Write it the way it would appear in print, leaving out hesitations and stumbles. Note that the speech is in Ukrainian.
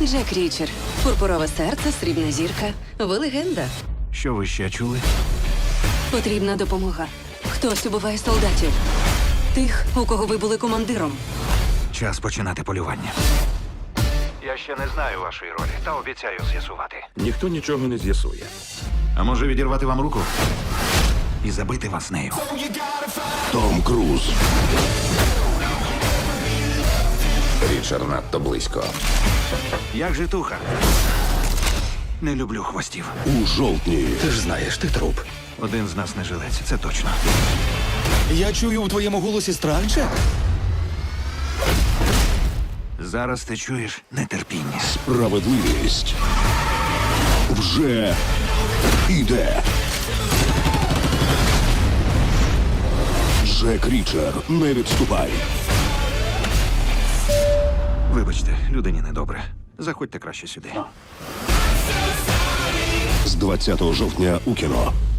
Джек Річер. Пурпурове серце, срібна зірка. Ви легенда. Що ви ще чули? Потрібна допомога. Хтось убиває солдатів. Тих, у кого ви були командиром. Час починати полювання. Я ще не знаю вашої ролі, та обіцяю з'ясувати. Ніхто нічого не з'ясує. А може відірвати вам руку і забити вас нею? Том Круз. Річард надто близько. Як житуха? Не люблю хвостів. У жовтні. Ти ж знаєш, ти труп. Один з нас не жилець, це точно. Я чую у твоєму голосі страх, Джек? Зараз ти чуєш нетерпіння. Справедливість. Вже іде. Джек Річер, не відступай. Вибачте, людині недобре. Заходьте краще сюди. З 20 жовтня у кіно.